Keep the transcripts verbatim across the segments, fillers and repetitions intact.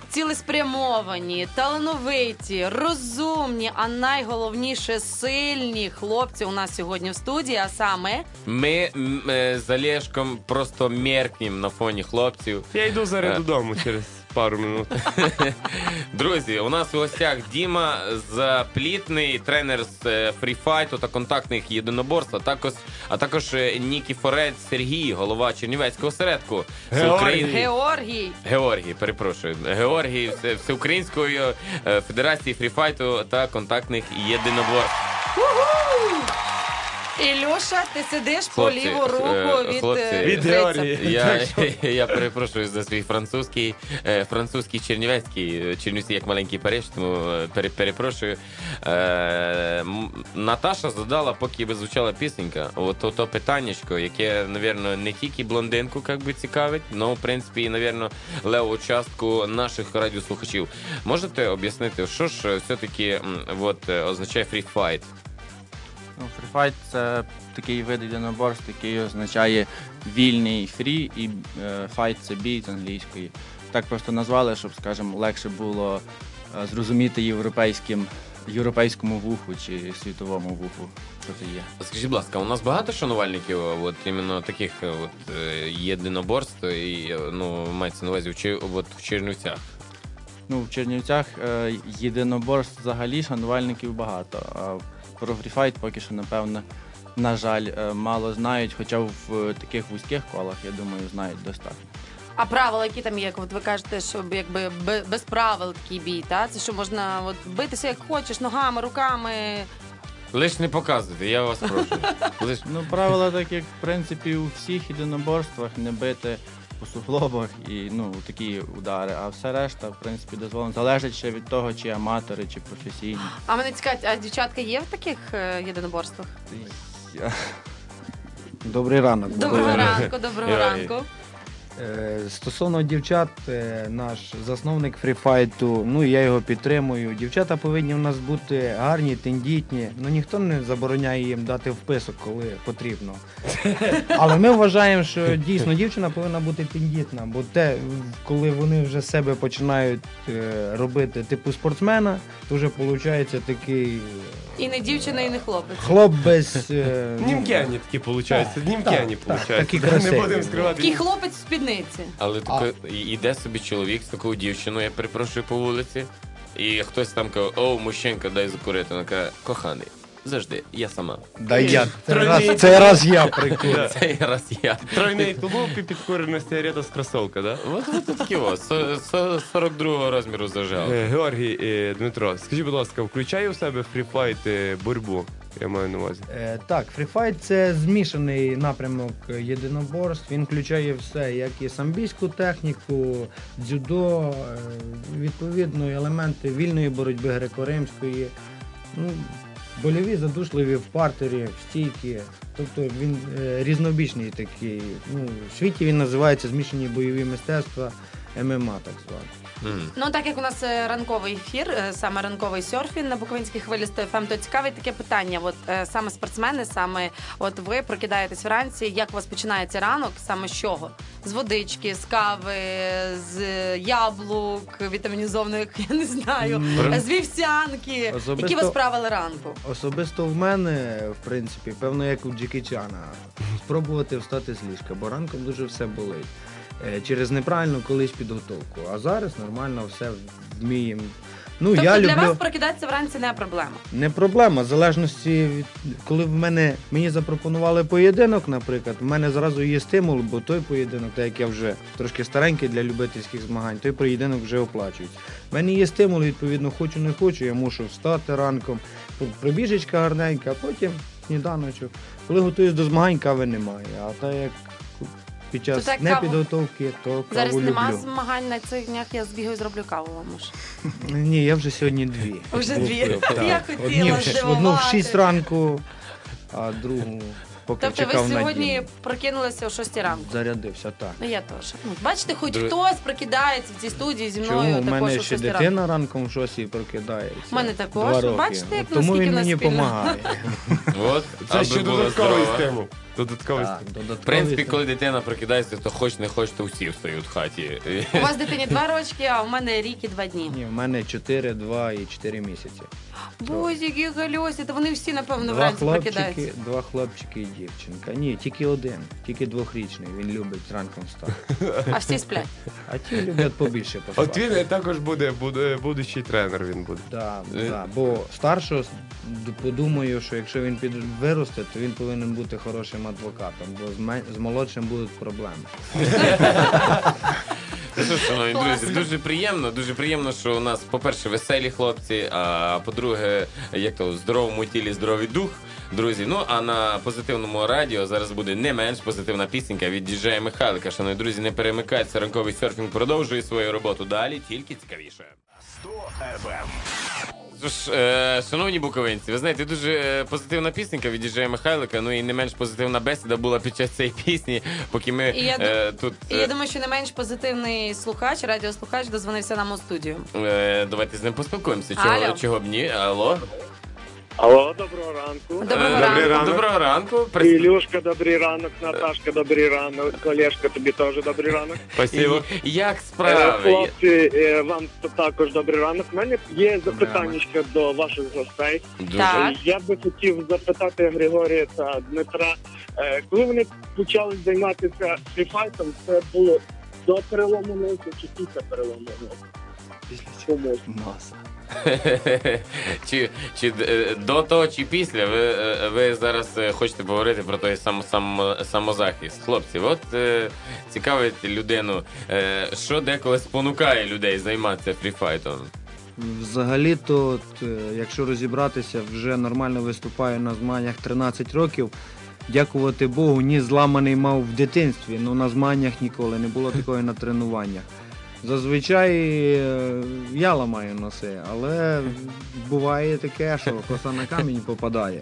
цілеспрямовані, талановиті, розумні, а найголовніше сильні хлопці у нас сьогодні в студії, а саме... Ми м, е, з Олєшком просто меркнем на фоні хлопців. Я йду зараз додому через пару минут. Друзі, у нас у гостях Діма Заплітний, тренер з е, фріфайту та контактних єдиноборств, а також, а також е, Нікіфорець Сергій, голова Чернівецького осередку. Георгій. Всеукраїн- Георгій. Георгій, перепрошую. Георгій Все- Всеукраїнської е, Федерації фріфайту та контактних єдиноборств. Ілюша, ти сидиш по Хлопці, ліву руку е, від, хлопці, е, від Гриця. Георгія. Я, я перепрошую за свій французький, е, французький чернівецький, Чернівці як маленький Париж, тому е, пере, перепрошую. Е, м, Наташа задала, поки звучала пісенька, от то, то питаннячко, яке, напевно, не тільки блондинку як би, цікавить, але, в принципі, і, напевно, леву частку наших радіослухачів. Можете об'яснити, що ж все-таки м, от, е, означає фріфайт? Ну, фріфайт – це такий вид єдиноборств, який означає вільний фрі, і е, файт – це бій з англійської. Так просто назвали, щоб, скажімо, легше було е, зрозуміти європейським, європейському вуху чи світовому вуху, що це є. Скажіть, будь ласка, у нас багато шанувальників от, іменно таких от, е, єдиноборств, і, е, ну, мається на увазі в, Чи- от, в Чернівцях? Ну, в Чернівцях е, єдиноборств взагалі шанувальників багато, а про фріфайт поки що, напевно, на жаль, е, мало знають, хоча в е, таких вузьких колах, я думаю, знають достатньо. А правила, які там є, як от ви кажете, що якби бе- без правил такий бій, та? Це що можна от, битися як хочеш, ногами, руками. Лиш не показуйте, я вас прошу. Лиш... Ну, правила так, як, в принципі, у всіх єдиноборствах, не бити по суглобах і, ну, такі удари, а все решта, в принципі, дозволено. Залежить ще від того, чи аматори, чи професійні. А мене цікавить, а дівчатка є в таких е, єдиноборствах? Я- Добрий ранок. Доброго ранку, доброго Георгій. ранку. Е, Стосовно дівчат, е, наш засновник фріфайту, ну і я його підтримую. Дівчата повинні в нас бути гарні, тендітні. Ну ніхто не забороняє їм дати вписок, коли потрібно. Але ми вважаємо, що дійсно дівчина повинна бути тендітна, бо те, коли вони вже себе починають е, робити типу спортсмена, то вже виходить такий І не дівчина, і не хлопець. хлоп без... е, ну, Німкені такі виходять, німкені так, виходять. такі Не красиві. будемо скривати. Такий хлопець в спідниці. Але тако, і- іде собі чоловік з такою дівчиною, я перепрошую, по вулиці, і хтось там каже, о, мужчинка, дай закурити. Вона каже, коханий, завжди, я сама. Да я, це Тройний. раз, це раз я прикурю. Цей раз я. Тройний тулуп і підкурена сигарета з кросовка, да? От, от такі ось, со- со- сорок другого розміру зажав. Е, Георгій, е, Дмитро, скажіть, будь ласка, включає у себе фріфайт е, боротьбу? Я маю на увазі. Е, Так, фріфайт це змішаний напрямок єдиноборств. Він включає все, як і самбійську техніку, дзюдо, е, відповідно, елементи вільної боротьби греко-римської, ну, больові, задушливі в партері, в стійки. Тобто він е, різнобічний такий. Ну, в світі він називається змішані бойові мистецтва, ем ем а так звані. М. Ну, так як у нас е, ранковий ефір, е, саме ранковий серфінг на Буковинській хвилі сто еф ем, то цікавить таке питання. От е, саме спортсмени, саме от ви прокидаєтесь вранці, як у вас починається ранок, саме з чого? З водички, з кави, з яблук, вітамінізованих, я не знаю, Мгм. з вівсянки. Особисто- Які у вас правила ранку? Особисто в мене, в принципі, певно, як у Джекі Чана, спробувати встати з ліжка, бо ранком дуже все болить. Е, Через неправильну колись підготовку. А зараз нормально все вміємо. Ну, Тобто я для люблю... вас прокидатися вранці не проблема? Не проблема, в залежності від коли в мене мені запропонували поєдинок, наприклад, в мене зразу є стимул, бо той поєдинок, так як я вже трошки старенький для любительських змагань, той поєдинок вже оплачується. В мене є стимул, відповідно, хочу не хочу, я мушу встати ранком, пробіжечка гарненька, а потім сніданочок. Коли готуюсь до змагань, кави немає. А так як під час так каву- непідготовки, то каву Зараз люблю. нема змагань на цих днях, я збігаю, зроблю каву вам. може. Ні, я вже сьогодні дві. Вже дві? Купив, так. Я хотіла Одні в ш- Одну в здивувати. шість ранку, а другу поки Тобто ви чекав на сьогодні Діму. прокинулися о шостій ранку? Зарядився, так. Ну я теж. Ну, бачите, хоч Друзі- хтось прокидається в цій студії зі мною Чому? У також мене о ще шостій ранку. дитина ранком в шостій прокидається. У мене також. Два роки. Бачите, як От тому наскільки він в нас мені спільно. допомагає. От, Це аби ще була додатковий здорова. стимул. Додатковий Так, стимул. В додатковий принципі, стимул. коли дитина прокидається, то хоч не хоч, то всі встають в хаті. У вас дитині два рочки, а у мене рік і два дні. Ні, в мене чотири, два і чотири місяці. Боже, які гальосі, то вони всі, напевно, Два вранці хлопчики, прокидаються. два хлопчики і дівчинка. Ні, тільки один, тільки двохрічний. Він любить ранком встати. А всі сплять. А ті люблять побільше От поспати. він також буде, буде будущий тренер він буде. Да, Е. да. Бо старшого д- подумаю, що якщо він під виросте, то він повинен бути хорошим адвокатом, бо з, ме- з молодшим будуть проблеми. Ну що ж, шановні друзі, Класно. дуже приємно, дуже приємно, що у нас, по-перше, веселі хлопці, а по-друге, як то, в здоровому тілі здоровий дух. Друзі, ну а на позитивному радіо зараз буде не менш позитивна пісенька від діджея Михайлика. Шановні друзі, не перемикайтеся, ранковий серфінг продовжує свою роботу далі, тільки цікавіше. сто еф ем. Тож, е, шановні буковинці, ви знаєте, дуже е, позитивна пісенька від діджея Михайлика, ну і не менш позитивна бесіда була під час цієї пісні, поки ми І я е, тут... І я думаю, що не менш позитивний слухач, радіослухач дозвонився нам у студію. Е, давайте з ним поспілкуємося. Чого, Алло. чого б ні? Алло? Алло, доброго ранку. Доброго Е, ранку. ранок. Доброго ранку. Прис- Ілюшка, добрий ранок, Наташка, добрий ранок, Олешка, тобі теж добрий ранок. Спасибо. І- Як Е, справи? Хлопці, е, вам також добрий ранок. У мене є запитання до ваших гостей. Дуже. Так. Е, Я би хотів запитати Григорія та Дмитра, е, коли вони почали займатися фріфайтом, це було до перелому носа чи після перелому носа? Чому? Носа. чи, чи е, до того, чи після ви, е, ви зараз е, хочете поговорити про той сам, сам, самозахист. Хлопці, от е, цікавить людину, е, що деколи спонукає людей займатися фріфайтом. Взагалі-то, от, е, якщо розібратися, вже нормально виступаю на змаганнях тринадцять років. Дякувати Богу, ні зламаний мав в дитинстві, ну на змаганнях ніколи, не було такої на тренуваннях. Зазвичай е, я ламаю носи, але буває таке, що коса на камінь попадає.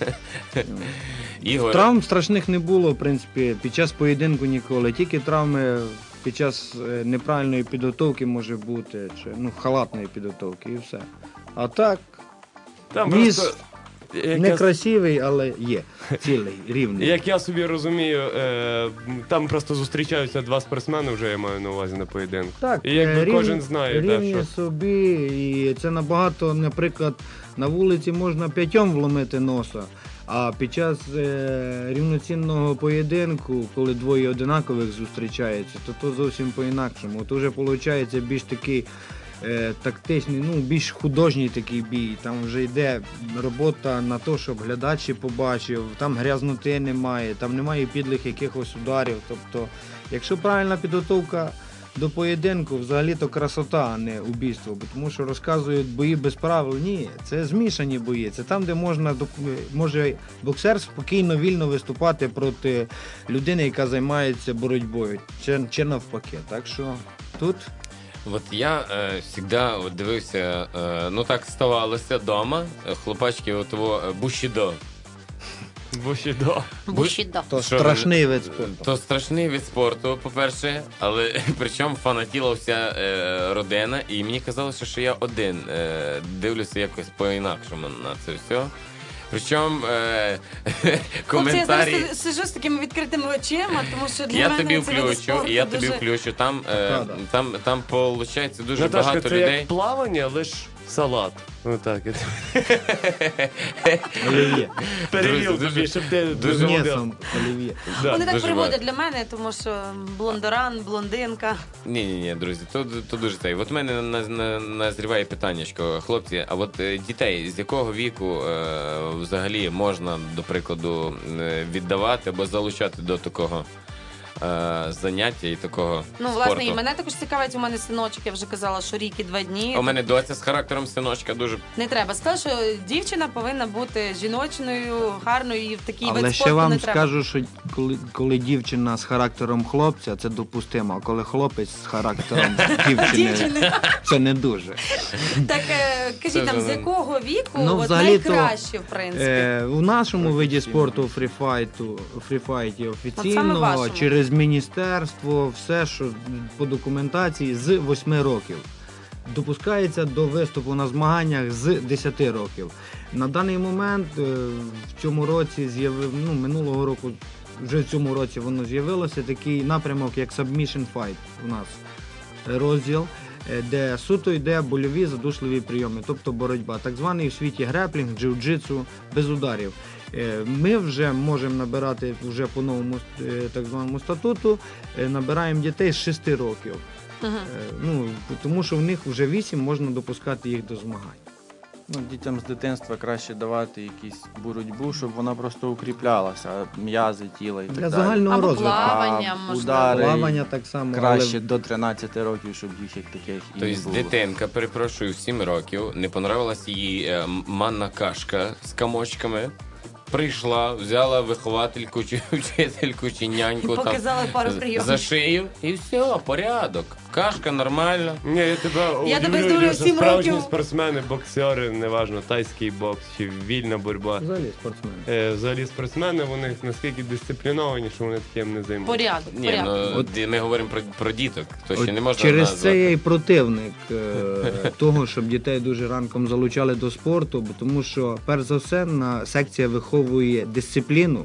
Ігор, Травм страшних не було, в принципі, під час поєдинку ніколи. Тільки травми під час е, неправильної підготовки може бути, чи ну, халатної підготовки і все. А так, Там ніс просто, як, не я, красивий, але є. Цілий, рівний. як я собі розумію, е, там просто зустрічаються два спортсмени, вже я маю на увазі на поєдинку. Так, І якби е, рівні- кожен знає, да, рівні що. собі, і це набагато, наприклад, на вулиці можна п'ятьом вломити носа, а під час е, рівноцінного поєдинку, коли двоє одинакових зустрічаються, то то зовсім по-інакшому. То вже виходить більш такий е, тактичний, ну більш художній такий бій. Там вже йде робота на те, щоб глядач і побачив, там грязноти немає, там немає підлих якихось ударів. Тобто, якщо правильна підготовка до поєдинку, взагалі-то красота, а не убійство. Бо тому що розказують бої без правил. Ні, це змішані бої. Це там, де можна доп- може боксер спокійно, вільно виступати проти людини, яка займається боротьбою. Чи, чи навпаки. Так що тут от я е, завжди от дивився, е, ну так ставалося вдома, хлопачки от того е, бушідо. Бушідо. Бушідо. то Що, страшний вид спорту. То страшний від спорту, по-перше, але причому фанатіла вся е, родина, і мені казалося, що я один е, дивлюся якось по-інакшому на це все. Причому е, Хлопці, я коментарі. зараз сиджу з такими відкритими очима, тому що для Я мене тобі це вид включу, спорту і я тобі дуже- включу. Там, е, Правда. там, там виходить дуже Наташка, багато це людей. як плавання, лиш салат. Ну так, я Олів'є. перевів Друзі, тобі, щоб ти дуже З молодець. м'ясом олів'є. Да. Вони так дуже приводять для мене, тому що блондоран, блондинка. Ні, ні, ні, друзі, то, то дуже цей. От в мене на- на- назріває питаннячко, хлопці. А от е, дітей з якого віку е, взагалі можна, до прикладу, е, віддавати або залучати до такого е, заняття і такого Ну, спорту. власне, і мене також цікавить, у мене синочок, я вже казала, що рік і два дні. У мене доця з характером синочка дуже. Не треба. Сказала, що дівчина повинна бути жіночною, гарною і в такій вид Але спорту ще вам не треба. скажу, що коли, коли дівчина з характером хлопця, це допустимо, а коли хлопець з характером дівчини, Дівчини. це не дуже. Так, е, кажіть нам, вже з не- якого віку Ну, от взагалі-то, найкраще, в принципі? Е, у нашому виді спорту фріфайту, фріфайті саме офіційно, вашому. через міністерство, все, що по документації, з восьми років. Допускається до виступу на змаганнях з десяти років. На даний момент е, в цьому році з'явив, ну, минулого року, вже в цьому році воно з'явилося, такий напрямок, як Submission Fight у нас розділ, е, де суто йде больові задушливі прийоми, тобто боротьба, так званий в світі греплінг, джиу-джитсу, без ударів. Е, Ми вже можемо набирати вже по новому е, так званому статуту, е, набираємо дітей з шести років. Мгм. Е, Ну, тому що в них вже вісім можна допускати їх до змагань. Ну, дітям з дитинства краще давати якусь боротьбу, щоб вона просто укріплялася, м'язи тіла і так Для далі. загального Або розвитку. плавання, А можливо. удари Плавання так само. краще але до тринадцяти років, щоб їх як таких і не Тобто було. дитинка, перепрошую, в сім років, не понравилась їй е, манна кашка з комочками. Прийшла, взяла виховательку чи вчительку чи І няньку там показали пару з- прийомів. за шию, і все, порядок. Кашка нормальна. Ні, я тебе Я тебе удивлю, здивлю, Ілюша, сім справжні років. спортсмени, боксери, неважно, тайський бокс чи вільна боротьба. Взагалі спортсмени. Е, Взагалі спортсмени, вони наскільки дисципліновані, що вони таким не займаються. Порядок, Ні, порядок. ну От- ді- ми говоримо про, про діток, то ще От не можна через назвати. це я і противник е, того, щоб дітей дуже ранком залучали до спорту, бо тому що, перш за все, на секція виховує дисципліну,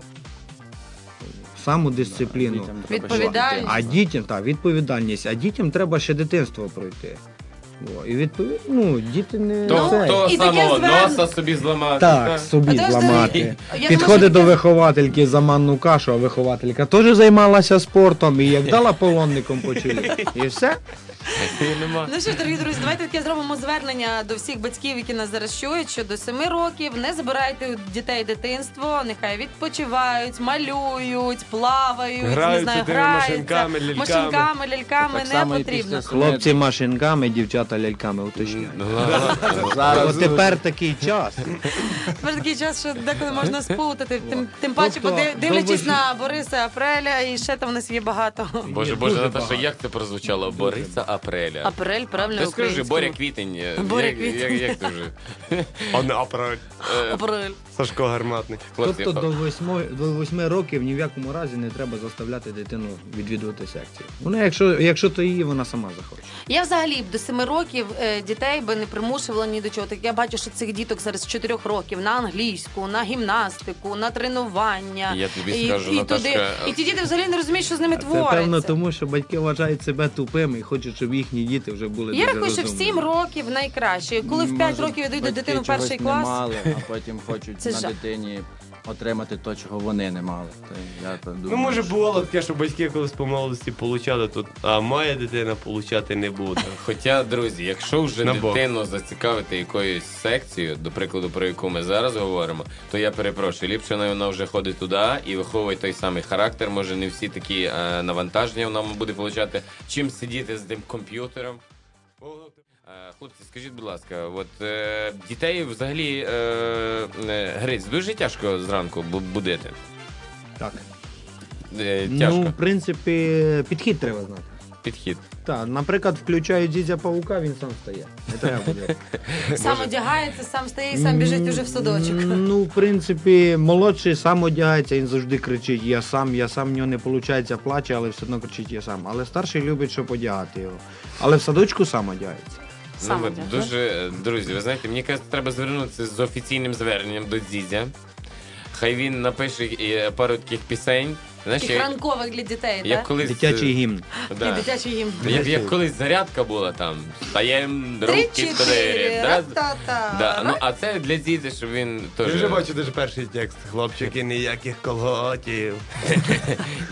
самодисципліну. Дітям треба Відповідальність. ще А дітям, так, відповідальність, а дітям треба ще дитинство пройти. О, і відповідно, ну, діти не То, Ну, це. то і таке самого звер- носа собі зламати. Так, собі А то ж зламати. я думаю, Підходить що до таке- виховательки за манну кашу, а вихователька теж займалася спортом і як дала полонником по чолі. І все. Нема. Ну що ж, дорогі друзі, давайте таке зробимо звернення до всіх батьків, які нас зараз чують, що до семи років не забирайте у дітей дитинство, нехай відпочивають, малюють, плавають, не Граються знаю, тими граються, машинками, ляльками. машинками, ляльками Так не само і потрібно. після Хлопці машинками, дівчата ляльками, уточняю. Ну, ладно. Зараз От тепер такий час. Тепер такий час, що деколи можна спутати, тим, тим паче, Тобто, поди- дивлячись до на Бориса Апреля, і ще там в нас є багато. Боже, Є Боже, дуже Наташа, багато. як це прозвучало? Бориса Апреля. Апрель, правильно, Ти скажи, українською. Боря Квітень. е, Боря як, Квітень. Як, як ти вже? А не апарат. Е, Апрель. Сашко Гарматний. хлопці, Тобто до восьми, до восьми років ні в якому разі не треба заставляти дитину відвідувати секцію. Вона, якщо, якщо то її, вона сама захоче. Я взагалі б до семи років е, дітей би не примушувала ні до чого. Так я бачу, що цих діток зараз з чотирьох років на англійську, на гімнастику, на тренування. Я тобі і, скажу, і, Наташка, туди, і ті діти взагалі не розуміють, що з ними Це твориться. певно тому, що батьки вважають себе тупими і хочуть, щоб їхні діти вже були Я дуже рахую, що в розумними. сім років найкраще. Коли в п'ять Може, років йдуть до батьки дитини в чогось перший не клас. мали, а потім хочуть Це на жах. дитині отримати те, чого вони не мали. То я так думаю, Ну, може, що- бувало таке, що батьки колись по молодості получали, тут, а моя дитина получати не буде. Хоча, друзі, якщо вже На бок. дитину зацікавити якоюсь секцією, до прикладу, про яку ми зараз говоримо, то я перепрошую, ліпше вона вже ходить туди і виховує той самий характер. Може, не всі такі е, навантаження вона буде получати, чим сидіти з тим комп'ютером. Е, Хлопці, скажіть, будь ласка, от е, дітей взагалі е, е, Гриць, дуже тяжко зранку бу- будити. Так. Е, тяжко. Ну, в принципі, підхід треба знати. Підхід. Так, наприклад, включають дідя павука, він сам стає. Не треба буде. Сам одягається, сам стає і сам біжить уже в садочок. Ну, в принципі, молодший сам одягається, він завжди кричить я сам, я сам, в нього не виходить, плаче, але все одно кричить я сам. Але старший любить, щоб одягати його. Але в садочку сам одягається. Сам Ну, от, одягає. дуже, друзі, ви знаєте, мені кажуть, треба звернутися з офіційним зверненням до Дзідзя. Хай він напише е, пару таких пісень. Знаєш, Таких як, ранкових для дітей, як так? колись, Дитячий гімн. І да, дитячий гімн. як, як колись зарядка була там. Стаєм, Три, руки чотири, чотири. Да? ра-та-та. Да, ну, а це для Дзідзя, щоб він Я теж... вже бачу дуже перший текст. Хлопчики, ніяких колготів.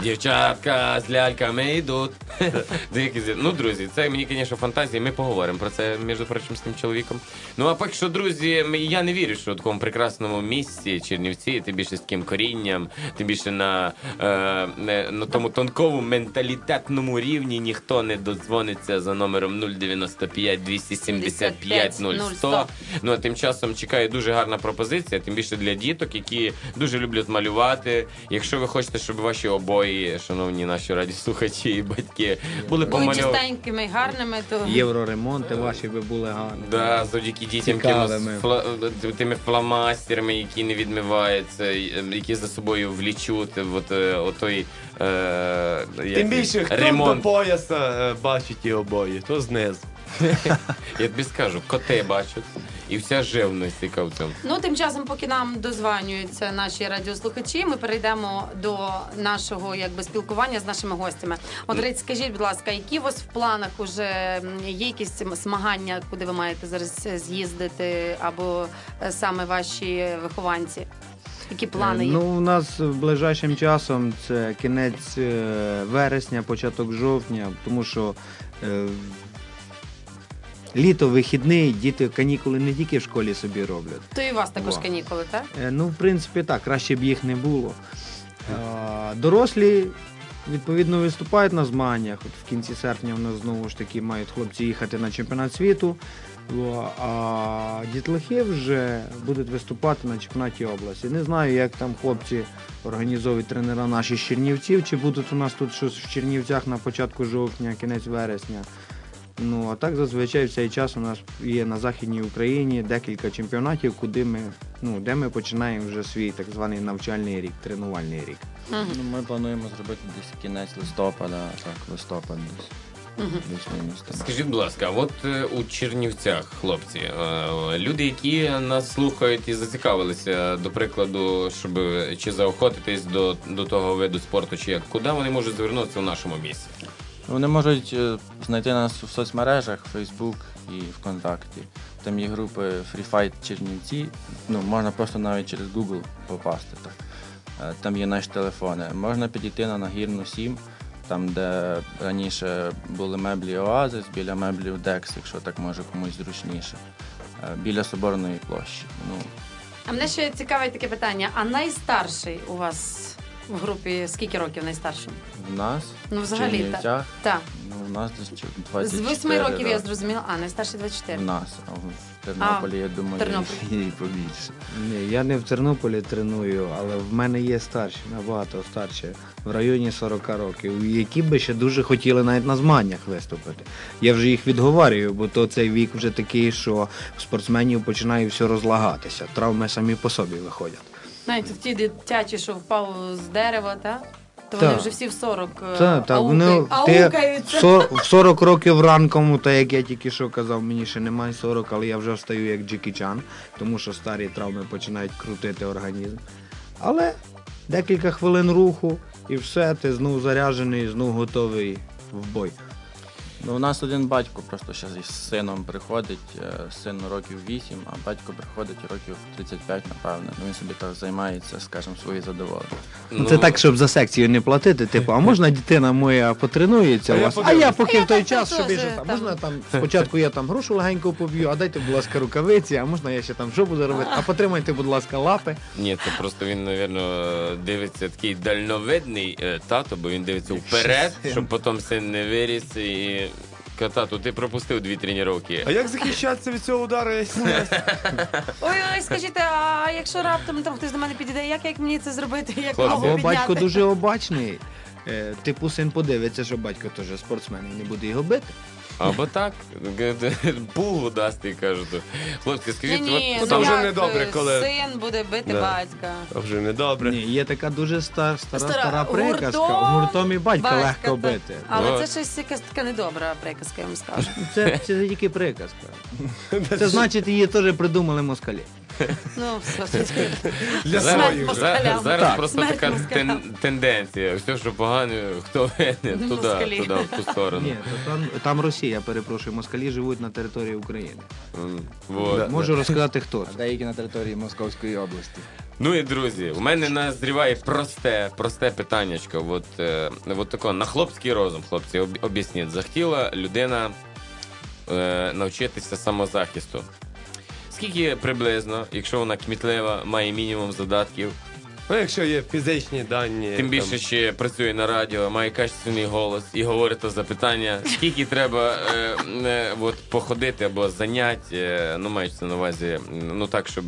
Дівчатка з ляльками йдуть. Деякі зі- Ну, друзі, це мені, звісно, фантазії. Ми поговоримо про це, між прочим, з тим чоловіком. Ну, а поки що, друзі, ми- я не вірю, що в такому прекрасному місці Чернівці, тим більше з таким корінням, тим більше на, е, не- на тому тонкому менталітетному рівні ніхто не додзвониться за номером нуль дев'яносто п'ять двісті сімдесят п'ять нуль сто. Ну, а тим часом чекає дуже гарна пропозиція, тим більше для діток, які дуже люблять малювати. Якщо ви хочете, щоб ваші обої, шановні наші радіослухачі і батьки, були Були помальовані. чистенькими, гарними, то Євроремонти ваші би були гарні. Да, завдяки дітям Цікавими. тими, фла- тими фломастерами, які не відмиваються, які за собою влічуть от, е, отой е, як Тим він, більше, хто ремонт. до пояса е, бачить ті обої, то знизу. Я тобі скажу, коти бачать, і вся живність, яка в цьому. Ну, тим часом, поки нам дозванюються наші радіослухачі, ми перейдемо до нашого якби спілкування з нашими гостями. От, Рить, скажіть, будь ласка, які у вас в планах уже м, є якісь змагання, куди ви маєте зараз з'їздити, або е, саме ваші вихованці? Які плани є? Ну, у нас ближайшим часом це кінець е, вересня, початок жовтня, тому що е, літо, вихідний, діти канікули не тільки в школі собі роблять. То і у вас також Во. канікули, так? Е, Ну, в принципі, так, краще б їх не було. Е, Дорослі, відповідно, виступають на змаганнях. От в кінці серпня в нас знову ж таки мають хлопці їхати на чемпіонат світу. Во, а дітлахи вже будуть виступати на чемпіонаті області. Не знаю, як там хлопці організовують тренера наші з Чернівців, чи будуть у нас тут щось в Чернівцях на початку жовтня, кінець вересня. Ну, а так зазвичай в цей час у нас є на Західній Україні декілька чемпіонатів, куди ми, ну, де ми починаємо вже свій так званий навчальний рік, тренувальний рік. Мгм. Ну, ми плануємо зробити десь кінець листопада, так, листопад десь. Мгм. Плюс-мінус там. Скажіть, будь ласка, от е, у Чернівцях, хлопці, е, люди, які нас слухають і зацікавилися, до прикладу, щоб чи заохотитись до, до того виду спорту, чи як, куди вони можуть звернутися в нашому місці? Вони можуть е, знайти нас в соцмережах, Facebook і ВКонтакті. Там є групи Free Fight Чернівці. Ну, можна просто навіть через Google попасти. Так. Е, Там є наші телефони. Можна підійти на Нагірну сім, там, де раніше були меблі Оазис, біля меблів Декс, якщо так може комусь зручніше. Е, Біля Соборної площі. Ну, А мене ще цікавить таке питання. А найстарший у вас в групі скільки років найстаршим? в нас, Ну, в взагалі, так. Чернівцях, Так. ну, у нас десь чо- двадцять З чотири восьми років я роки. зрозуміла. А, найстарший двадцять чотири. В нас, а в Тернополі, я думаю, Тернополі. і побільше. Ні, я не в Тернополі треную, але в мене є старші, набагато старші, в районі сорок років, які би ще дуже хотіли навіть на змаганнях виступити. Я вже їх відговарюю, бо то цей вік вже такий, що в спортсменів починає все розлагатися. Травми самі по собі виходять. Навіть в ті дитячі, що впав з дерева, так? То Так. вони вже всі в сорок е, Так, так, вони аукають- ти аукаються. в сор- в сорок років ранком, так як я тільки що казав, мені ще немає сорок, але я вже встаю як Джекі Чан, тому що старі травми починають крутити організм. Але декілька хвилин руху і все, ти знов заряджений, знов готовий в бой. Ну, у нас один батько просто ще з сином приходить, е, сину років вісім, а батько приходить років тридцять п'ять, напевно. Ну, він собі так займається, скажімо, свої задоволення. Ну, це так, щоб за секцію не платити, типу, а можна дитина моя потренується А у я вас, а подивлюсь. я поки А я в той так час теж собі ще там, там. можна там, спочатку я там грушу легенько поб'ю, а дайте, будь ласка, рукавиці, а можна я ще там що буду робити, а потримайте, будь ласка, лапи. Ні, це просто він, напевно, дивиться такий дальновидний е, тато, бо він дивиться вперед, щоб потім син не виріс і. Тату, ти пропустив дві тренування. А як захищатися від цього удару? Я не знаю. Ой, ой, скажіть, а якщо раптом там хтось до мене підійде, як, як мені це зробити? Як Хлопці. ногу Або підняти? батько дуже обачний. Е, Типу син подивиться, що батько теж спортсмен і не буде його бити. Або так, пугу дасть і кажуть. Хлопці, скажіть, Ні-ні, от ну, ну то вже як недобре, коли- син буде бити Да. батька. А вже недобре. Ні, є така дуже стара, стара, Стара, стара приказка. гуртом Гуртом і батька батька, легко так. бити. Але Ну. це щось якась така недобра приказка, я вам скажу. Це, це тільки приказка. Це значить, її теж придумали москалі. Ну, все. Для Зараз, своїх вже. зараз, зараз Так. просто Смерть така москалям. тен, тенденція. Все, що погано, хто винен, туди, Москалі. туди, в ту сторону. Ні, то там, там Росія, перепрошую, москалі живуть на території України. М, Вот. Да. Можу розказати, хто це. А деякі на території Московської області. Ну і друзі, у мене назріває просте, просте питаннячко. От, е, от тако, на хлопський розум, хлопці, об- об'ясніть. Захотіла людина е, навчитися самозахисту. Скільки приблизно, якщо вона кмітлива, має мінімум задатків, Ну, якщо є фізичні дані. тим там, більше ще працює на радіо, має качественний голос і говорить то запитання, скільки треба е, е, от, походити або занять, е, ну мається на увазі, ну так, щоб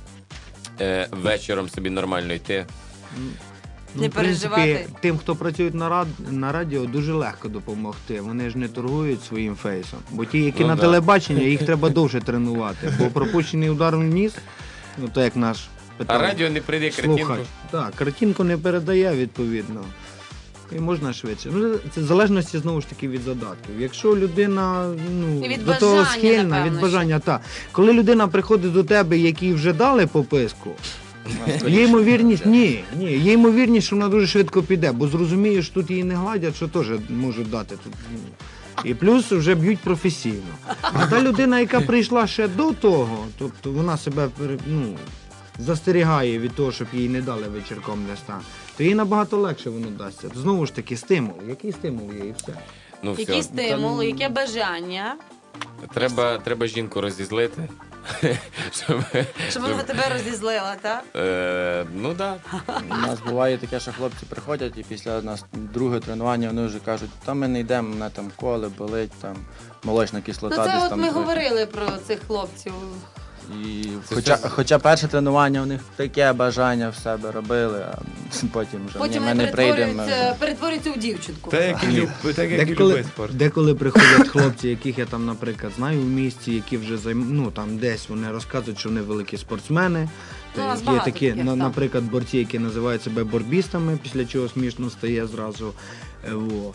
е, вечором собі нормально йти. Не в принципі, переживати. тим, хто працює на, рад... на радіо, дуже легко допомогти. Вони ж не торгують своїм фейсом. Бо ті, які Ну, на да. телебаченні, їх треба довше тренувати. Бо пропущений удар в ніс, ну то як наш А питав радіо не прийде картинку. слухач. Так, картинку не передає відповідно. І можна швидше. Ну, це в залежності знову ж таки від задатків. Якщо людина ну, І від до того бажання, схильна, напевно, від бажання, так. Коли людина приходить до тебе, якій вже дали пописку, Ну, є ймовірність, ні, ні, є ймовірність, що вона дуже швидко піде, бо зрозумієш, тут її не гладять, що теж можуть дати тут. ну. І плюс вже б'ють професійно. А та людина, яка прийшла ще до того, тобто вона себе пере- ну, застерігає від того, щоб їй не дали вечірком десь там, то їй набагато легше воно дасться. Знову ж таки, стимул. Який стимул є і все. Ну, все. Який стимул, яке бажання, Треба, треба жінку розізлити. щоб, щоб вона тебе розізлила, так? е, ну так. Да. У нас буває таке, що хлопці приходять і після нас друге тренування вони вже кажуть, та ми не йдемо, мене там коле, болить, там молочна Ну кислота. це десь от там ми трохи. говорили про цих хлопців. І Це хоча, що? хоча перше тренування у них таке бажання в себе робили, а потім вже Потім ні, ми вони не прийдемо. перетворюються, перетворюються у дівчинку. Та як і люб- так, як і Деколи, любий спорт. деколи приходять хлопці, яких я там, наприклад, знаю в місті, які вже займ... ну, там десь вони розказують, що вони великі спортсмени. Ну, у нас Є багато такі, таких, на- так. наприклад, борці, які називають себе борбістами, після чого смішно стає зразу. Е, Во.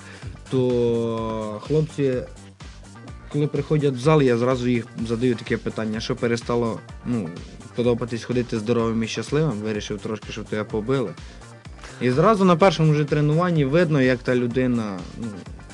То хлопці, коли приходять в зал, я зразу їх задаю таке питання, що перестало ну, подобатись ходити здоровим і щасливим, вирішив трошки, щоб тебе побили. І зразу на першому вже тренуванні видно, як та людина. Ну,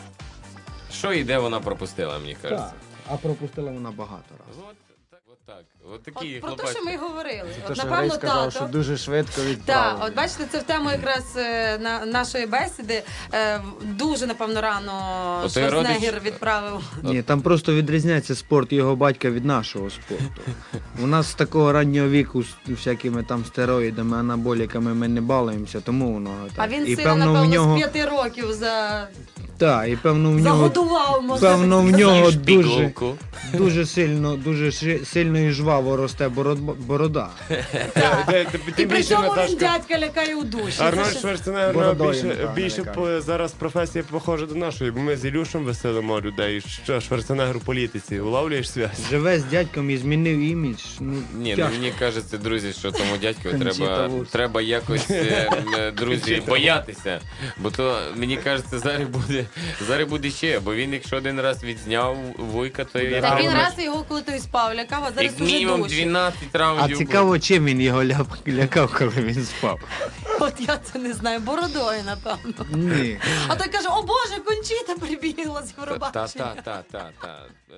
Що і де вона пропустила, мені кажеться. так, а пропустила вона багато разів. От так, от так. От такі От про те, хлопачки. що ми й говорили. Те, От, що напевно, Грей сказав, тато. що дуже швидко Так, відправили. от бачите, це в тему якраз е, на нашої бесіди. Е, дуже, напевно, рано От той Шварценеггер родич- відправив. Ні, там просто відрізняється спорт його батька від нашого спорту. У нас з такого раннього віку з всякими там стероїдами, анаболіками ми не балуємося, тому воно так. А він і сина, певно в напевно, нього, з п'яти років за... так, і певно в нього, загодував, можна певно так в сказати. нього Їж дуже, пігулку. дуже сильно, дуже ши- сильно і жваво росте бород- борода. Так. Де- тим- І Тим при більше цьому він Наташка. дядька лякає у душі. Це Арнольд ще- Шварценеггер Бородою, більше, напевно, більше лякає. по, зараз професія похожа до нашої, бо ми з Ілюшем веселимо людей. Що Шварценеггер у політиці, улавлюєш зв'язь? Живе з дядьком і змінив імідж. Ну, Ні, ну тяжко. мені кажеться, друзі, що тому дядьку Кончіта треба, Вурс. треба якось, е, е, друзі, боятися. Бо то, мені кажеться, зараз буде, зараз буде ще, бо він, якщо один раз відзняв вуйка, то я Так він думаю, раз його коли той спав, лякав, а зараз як уже мінімум душі. дванадцять А раундів. цікаво, чим він його ляп- лякав, коли він спав. От я це не знаю, бородою, напевно. Ні. А той каже, о Боже, Кончіта прибігла з Та, Євробачення. та, та, та, та. Е,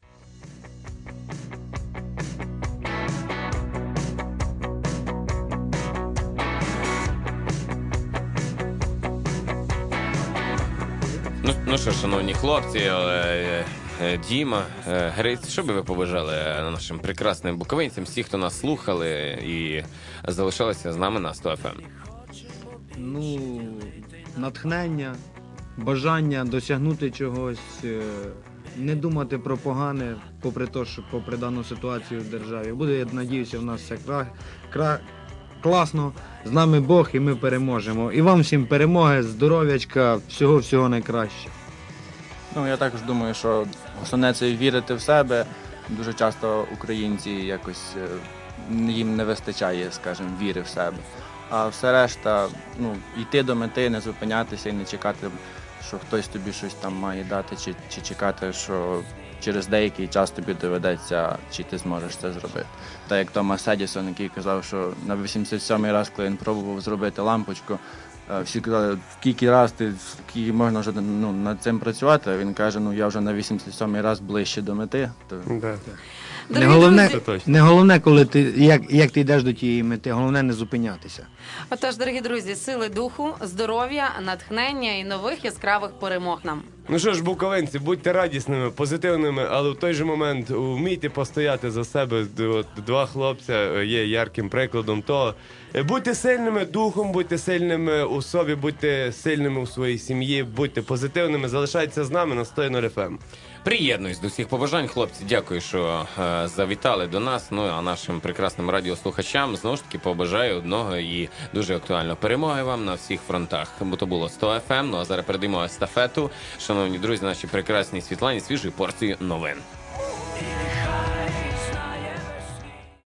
Ну, ну що, шановні хлопці, е, е, Діма, е, Гриць, що би ви побажали е, нашим прекрасним буковинцям, всі, хто нас слухали і залишалися з нами на сто еф ем? Ну, натхнення, бажання досягнути чогось, е, не думати про погане, попри те, що попри дану ситуацію в державі. Буде, я надіюся, у нас все кра... Кра... класно. З нами Бог і ми переможемо. І вам всім перемоги, здоров'ячка, всього-всього найкраще. Ну, я також думаю, що основне це вірити в себе. Дуже часто українці якось е, їм не вистачає, скажімо, віри в себе. А все решта, ну, йти до мети, не зупинятися і не чекати, що хтось тобі щось там має дати, чи, чи чекати, що через деякий час тобі доведеться, чи ти зможеш це зробити. Так як Томас Едісон, який казав, що на вісімдесят сьомий раз, коли він пробував зробити лампочку, е, всі казали, в скільки раз ти, скільки можна вже ну, над цим працювати, а він каже, ну я вже на вісімдесят сьомий раз ближче до мети. То... Да. Не Дорогі головне, друзі, Це точно. не головне, коли ти як, як ти йдеш до тієї мети, головне не зупинятися. отож, дорогі друзі, сили духу, здоров'я, натхнення і нових яскравих перемог нам. Ну що ж, буковинці, будьте радісними, позитивними, але в той же момент вмійте постояти за себе. От два хлопця є ярким прикладом того. Будьте сильними духом, будьте сильними у собі, будьте сильними у своїй сім'ї, будьте позитивними, залишайтеся з нами на сто нуль еф ем. Приєднуюсь до всіх побажань, хлопці. Дякую, що е, завітали до нас. Ну а нашим прекрасним радіослухачам знову ж таки побажаю одного і дуже актуально перемоги вам на всіх фронтах. Бо то було сто еф ем. Ну а зараз передаємо естафету. Шановні друзі, наші прекрасні Світлані, свіжої порції новин.